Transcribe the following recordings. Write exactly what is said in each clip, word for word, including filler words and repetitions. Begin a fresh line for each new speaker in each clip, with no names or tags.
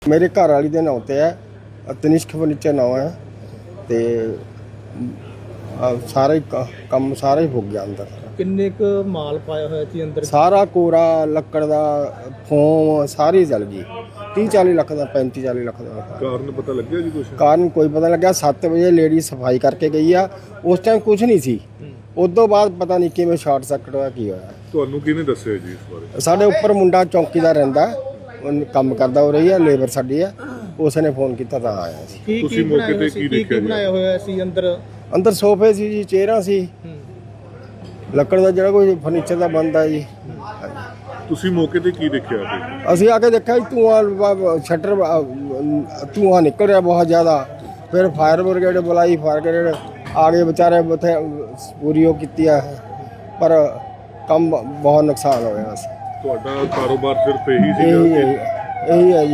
मेरे घर वाली के नाम ते है, तनिष्क फर्नीचर नाम है, ते सारा ही कम सारा ही हो गया अंदर।
किन्ने क माल पाया होया सी अंदर?
सारा कोरा लक्कड़ दा फोम सारी जल गई। तीह चाली लख का पैंती चाली लख का।
कारण पता लग गया जी कुछ?
कारण कोई पता लग्या। सत्त बजे लेडी सफाई करके गई आ, उस टाइम कुछ नहीं सी। उदों बाद पता नहीं किवें शॉर्ट सर्किट होया की होया।
ਤੁਹਾਨੂੰ ਕਿਹਨੇ ਦੱਸਿਆ ਜੀ ਇਸ ਬਾਰੇ?
ਸਾਡੇ ਉੱਪਰ ਮੁੰਡਾ ਚੌਂਕੀਦਾਰ ਰਹਿੰਦਾ, ਉਹ ਕੰਮ ਕਰਦਾ ਹੋ ਰਹੀ ਹੈ, ਲੇਬਰ ਸਾਡੀ ਹੈ, ਉਸਨੇ ਫੋਨ ਕੀਤਾ ਤਾਂ ਆਇਆ ਸੀ।
ਕੀ
ਤੁਸੀਂ ਮੌਕੇ ਤੇ ਕੀ ਦੇਖਿਆ ਜੀ?
ਬਣਾਇਆ ਹੋਇਆ ਸੀ ਅੰਦਰ?
ਅੰਦਰ ਸੋਫੇ ਸੀ ਜੀ, ਚੇਅਰਾਂ ਸੀ, ਲੱਕੜ ਦਾ ਜਿਹੜਾ ਕੋਈ ਫਰਨੀਚਰ ਦਾ ਬਣਦਾ ਜੀ।
ਤੁਸੀਂ ਮੌਕੇ ਤੇ ਕੀ ਦੇਖਿਆ?
ਅਸੀਂ ਆ ਕੇ ਦੇਖਿਆ ਜੀ ਧੂੰਆਂ, ਸ਼ਟਰ ਧੂੰਆਂ ਨਿਕਲ ਰਿਹਾ ਬਹੁਤ ਜ਼ਿਆਦਾ। ਫਿਰ ਫਾਇਰ ਬ੍ਰਿਗੇਡ ਬੁਲਾਈ, ਫਾਇਰ ਬ੍ਰਿਗੇਡ ਆ ਗਏ, ਵਿਚਾਰੇ ਉੱਥੇ ਪੂਰੀ ਉਹ ਕੀਤੀ ਆ, ਪਰ ਕੰਮ ਬਹੁਤ ਨੁਕਸਾਨ ਹੋਇਆ ਸੀ।
ਤੁਹਾਡਾ ਕਾਰੋਬਾਰ ਸਿਰਫ ਇਹੀ ਸੀ?
ਇਹੀ ਹੈ ਇਹੀ ਹੈ ਜੀ।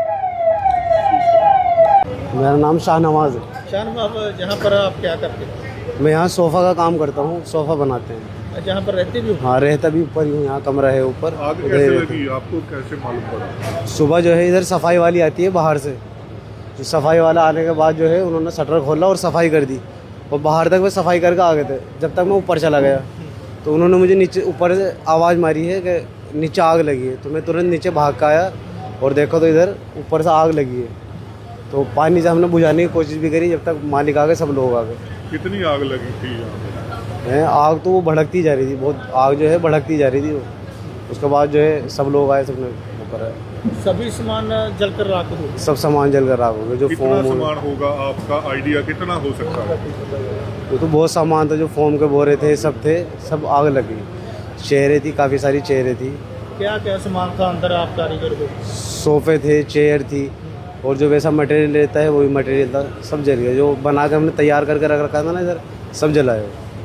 मेरा नाम शाहनवाज है।
शाहनवाज, यहाँ पर आप क्या करते हैं?
मैं यहाँ सोफ़ा का काम करता हूँ, सोफ़ा बनाते हैं।
जहाँ पर रहते भी हो?
हाँ, रहता भी ऊपर ही हूँ, यहाँ कमरा है ऊपर।
आग कैसे लगी आपको, कैसे मालूम पड़ा?
सुबह जो है इधर सफाई वाली आती है बाहर से, तो सफाई वाला आने के बाद जो है उन्होंने शटर खोला और सफाई कर दी, और बाहर तक वे सफाई करके आ गए थे। जब तक मैं ऊपर चला गया तो उन्होंने मुझे नीचे ऊपर से आवाज़ मारी है कि नीचे आग लगी है, तो मैं तुरंत नीचे भाग कर आया और देखो तो इधर ऊपर से आग लगी है। तो पानी से हमने बुझाने की कोशिश भी करी, जब तक मालिक आ गए, सब लोग आ गए।
कितनी आग लगी थी यहाँ पे?
आग तो वो भड़कती जा रही थी, बहुत आग जो है भड़कती जा रही थी वो। उसके बाद जो है सब लोग आए, सबने वो करा।
सभी सामान जलकर राख हो?
सब सामान जलकर राख हो गए। जो
कितना
फोम
सामान होगा, आपका आइडिया कितना हो सकता है?
वो तो बहुत सामान था, जो फोम के बोरे थे सब थे, सब आग लगी। चेयरें थी, काफ़ी सारी चेयरें थी।
क्या क्या सामान था अंदर आप कारीगर को?
सोफ़े थे, चेयर थी, और जो वैसा मटेरियल रहता है वो भी मटेरियल था, सब जल गया। जो बना के हमने तैयार करके रख रखा था ना इधर, सब जलाए।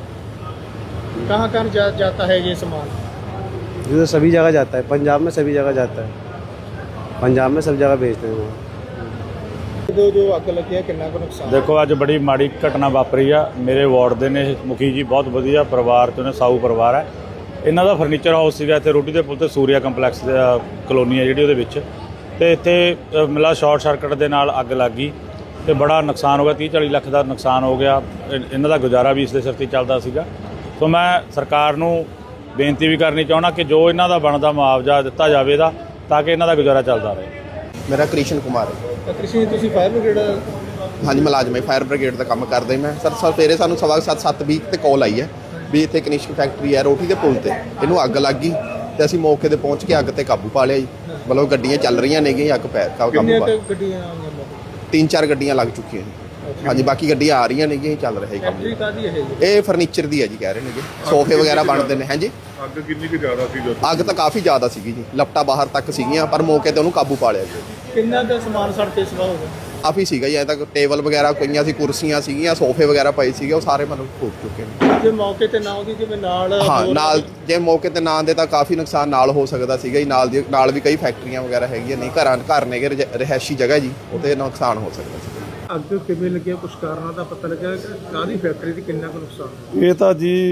कहाँ कहाँ जा, जाता है ये सामान?
ये तो सभी जगह जाता है, पंजाब में सभी जगह जाता है, पंजाब में सब जगह भेजते हैं वो।
जो जो अग लगी है कितना का नुकसान?
देखो अज बड़ी माड़ी घटना वापरी आ। मेरे वार्ड ਦੇ ਨੇ ਮੁਖੀ ਜੀ, ਬਹੁਤ ਵਧੀਆ ਪਰਿਵਾਰ ਤੋਂ ਨੇ, ਸਾਊ ਪਰਿਵਾਰ ਹੈ। ਇਹਨਾਂ ਦਾ ਫਰਨੀਚਰ ਹਾਊਸ ਸੀਗਾ ਇੱਥੇ ਰੋਟੀ ਦੇ ਪੁਲ ਤੇ, ਸੂਰਿਆ ਕੰਪਲੈਕਸ ਦਾ ਕਲੋਨੀ ਹੈ ਜਿਹੜੀ ਉਹਦੇ ਵਿੱਚ, ਤੇ ਇੱਥੇ ਮਿਲਾ ਸ਼ਾਰਟ ਸਰਕਟ ਦੇ ਨਾਲ ਅੱਗ ਲੱਗ ਗਈ ਤੇ ਬੜਾ ਨੁਕਸਾਨ ਹੋ ਗਿਆ। तीह चाली ਲੱਖ ਦਾ ਨੁਕਸਾਨ ਹੋ ਗਿਆ। ਇਹਨਾਂ ਦਾ ਗੁਜ਼ਾਰਾ ਵੀ ਇਸ ਦੇ ਸਿਰ ਤੇ ਚੱਲਦਾ ਸੀਗਾ। ਸੋ ਮੈਂ ਸਰਕਾਰ ਨੂੰ ਬੇਨਤੀ ਵੀ ਕਰਨੀ ਚਾਹੁੰਦਾ ਕਿ ਜੋ ਇਹਨਾਂ ਦਾ ਬਣਦਾ ਮੁਆਵਜ਼ਾ ਦਿੱਤਾ ਜਾਵੇ ਇਹਦਾ, ਤਾਂ ਕਿ ਇਹਨਾਂ ਦਾ ਗੁਜ਼ਾਰਾ ਚੱਲਦਾ ਰਹੇ।
मेरा कृष्ण कुमार है।
कृषि ਤੁਸੀਂ ਫਾਇਰ ਬ੍ਰਿਗੇਡ?
हाँ जी, मुलाजम है, फायर ब्रिगेड का काम करते मैं सर। सवेरे सानू सवा सत्त सत्त बीस ते कॉल आई है भी इतने कनिष्क फैक्ट्री है रोटी के पुल ते, इनू अग लग गई, तो असीं मौके ते पहुँच के अग ते काबू पा लिया जी। मतलब गड्डियाँ चल रही ने, अग पै काबू पा, तीन चार गड्डियाँ लग चुकी हैं। हाँ जी, बाकी गड्डियाँ आ रही ने, चल रहा है काम। ये फर्नीचर दी है जी, कह रहे हैं जी, सोफे वगैरह बनते हैं। हैं जी,
ਅੱਗ ਕਿੰਨੀ ਕੁ ਜ਼ਿਆਦਾ ਸੀ?
ਅੱਗ ਤਾਂ ਕਾਫੀ ਜ਼ਿਆਦਾ ਸੀਗੀ ਜੀ, ਲਪਟਾ ਬਾਹਰ ਤੱਕ ਸੀਗੀਆਂ, ਪਰ ਮੌਕੇ ਤੇ ਉਹਨੂੰ ਕਾਬੂ ਪਾ ਲਿਆ ਜੀ।
ਕਿੰਨਾ ਦਾ ਸਮਾਨ ਸੜ ਕੇ ਸਵਾ ਹੋ ਗਿਆ?
ਕਾਫੀ ਸੀਗਾ ਜੀ, ਐ ਤੱਕ ਟੇਬਲ ਵਗੈਰਾ ਪਈਆਂ ਸੀ, ਕੁਰਸੀਆਂ ਸੀਗੀਆਂ, ਸੋਫੇ ਵਗੈਰਾ ਪਏ ਸੀਗੇ, ਉਹ ਸਾਰੇ ਮਤਲਬ ਫੂਕ ਚੁੱਕੇ ਨੇ।
ਜੇ ਮੌਕੇ ਤੇ ਨਾ ਉਹਦੀ ਜਿਵੇਂ ਨਾਲ
ਹਾਂ, ਨਾਲ ਜੇ ਮੌਕੇ ਤੇ ਨਾ ਦੇ ਤਾਂ ਕਾਫੀ ਨੁਕਸਾਨ ਨਾਲ ਹੋ ਸਕਦਾ ਸੀਗਾ ਜੀ। ਨਾਲ ਦੀ ਨਾਲ ਵੀ ਕਈ ਫੈਕਟਰੀਆਂ ਵਗੈਰਾ ਹੈਗੀਆਂ, ਨਹੀਂ ਘਰਾਂ ਘਰ ਨੇਗੇ, ਰਿਹਾਇਸ਼ੀ ਜਗ੍ਹਾ ਜੀ, ਉੱਥੇ ਨੁਕਸਾਨ ਹੋ ਸਕਦਾ ਸੀ।
ਅੱਗ ਕਿਵੇਂ ਲੱਗਿਆ, ਕੁਝ ਕਾਰਨਾਂ ਦਾ ਪਤਾ ਲੱਗਿਆ? ਕਾਹਦੀ ਫੈਕਟਰੀ ਤੇ ਕਿੰਨਾ ਕੁ ਨੁਕਸਾਨ?
ਇਹ ਤਾਂ ਜੀ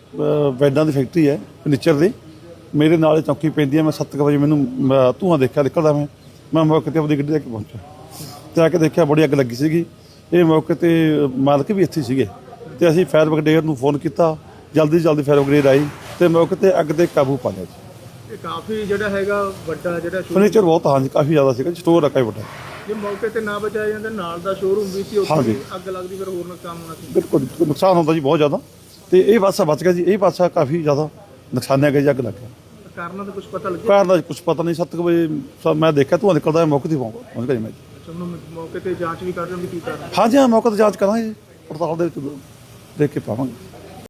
ਬੈਡਾਂ ਦੀ ਫੈਕਟਰੀ ਹੈ ਫਰਨੀਚਰ ਦੀ। ਮੇਰੇ ਨਾਲ ਚੌਕੀ ਪੈਂਦੀ ਹੈ। ਮੈਂ ਸੱਤ ਕੁ ਵਜੇ ਮੈਨੂੰ ਧੂੰਆਂ ਦੇਖਿਆ ਨਿਕਲਦਾ, ਮੈਂ ਮੈਂ ਮੌਕੇ 'ਤੇ ਆਪਣੀ ਗੱਡੀ ਲੈ ਕੇ ਪਹੁੰਚਿਆ ਅਤੇ ਆ ਕੇ ਦੇਖਿਆ ਬੜੀ ਅੱਗ ਲੱਗੀ ਸੀਗੀ। ਇਹ ਮੌਕੇ 'ਤੇ ਮਾਲਕ ਵੀ ਇੱਥੇ ਸੀਗੇ, ਅਤੇ ਅਸੀਂ ਫਾਇਰ ਬ੍ਰਿਗੇਡ ਨੂੰ ਫੋਨ ਕੀਤਾ, ਜਲਦੀ ਜਲਦੀ ਫਾਇਰ ਬ੍ਰਿਗੇਡ ਆਈ ਅਤੇ ਮੌਕੇ 'ਤੇ ਅੱਗ 'ਤੇ ਕਾਬੂ ਪਾ ਲਿਆ ਜੀ।
ਇਹ ਕਾਫੀ ਜਿਹੜਾ ਹੈਗਾ ਵੱਡਾ ਜਿਹੜਾ
ਫਰਨੀਚਰ ਬਹੁਤ, ਹਾਂਜੀ ਕਾਫੀ ਜ਼ਿਆਦਾ ਸੀਗਾ, ਸਟੋਰ ਆ ਕਾਫੀ ਵੱਡਾ।
ਜੇ ਮੌਕੇ ਤੇ ਨਾ ਬਚਾਇਆ ਜਾਂਦਾ, ਨਾਲ ਦਾ ਸ਼ੋਰੂਮ ਵੀ ਸੀ, ਉੱਥੇ ਅੱਗ ਲੱਗਦੀ, ਫਿਰ ਹੋਰ ਨੁਕਸਾਨ ਹੋਣਾ ਸੀ।
ਬਿਲਕੁਲ ਨੁਕਸਾਨ ਹੁੰਦਾ ਜੀ ਬਹੁਤ ਜ਼ਿਆਦਾ, ਅਤੇ ਇਹ ਪਾਸਾ ਬਚ ਗਿਆ ਜੀ। ਇਹ ਪਾਸਾ ਕਾਫੀ ਜ਼ਿਆਦਾ ਨੁਕਸਾਨਿਆ ਗਿਆ ਜੀ, ਅੱਗ ਲੱਗ ਗਿਆ।
ਕਾਰਨਾਂ ਦਾ ਕੁਝ ਪਤਾ ਲੱਗਿਆ?
ਕਾਰਨ ਦਾ ਕੁਝ ਪਤਾ ਨਹੀਂ। ਸੱਤ ਕੁ ਵਜੇ ਮੈਂ ਦੇਖਿਆ ਧੂੰਆਂ ਨਿਕਲਦਾ, ਮੌਕੇ 'ਤੇ ਪਹੁੰਚ ਗਿਆ ਮੈਂ ਜੀ।
ਤੁਹਾਨੂੰ ਮੌਕੇ ਤੇ ਜਾਂਚ ਵੀ ਕਰ ਰਹੇ ਹੋ ਵੀ ਕੀ ਕਾਰਨ?
ਹਾਂਜੀ ਹਾਂ, ਮੌਕੇ 'ਤੇ ਜਾਂਚ ਕਰਾਂਗੇ ਜੀ, ਪੜਤਾਲ ਦੇ ਵਿੱਚ ਦੇਖ ਕੇ ਪਾਵਾਂਗੇ।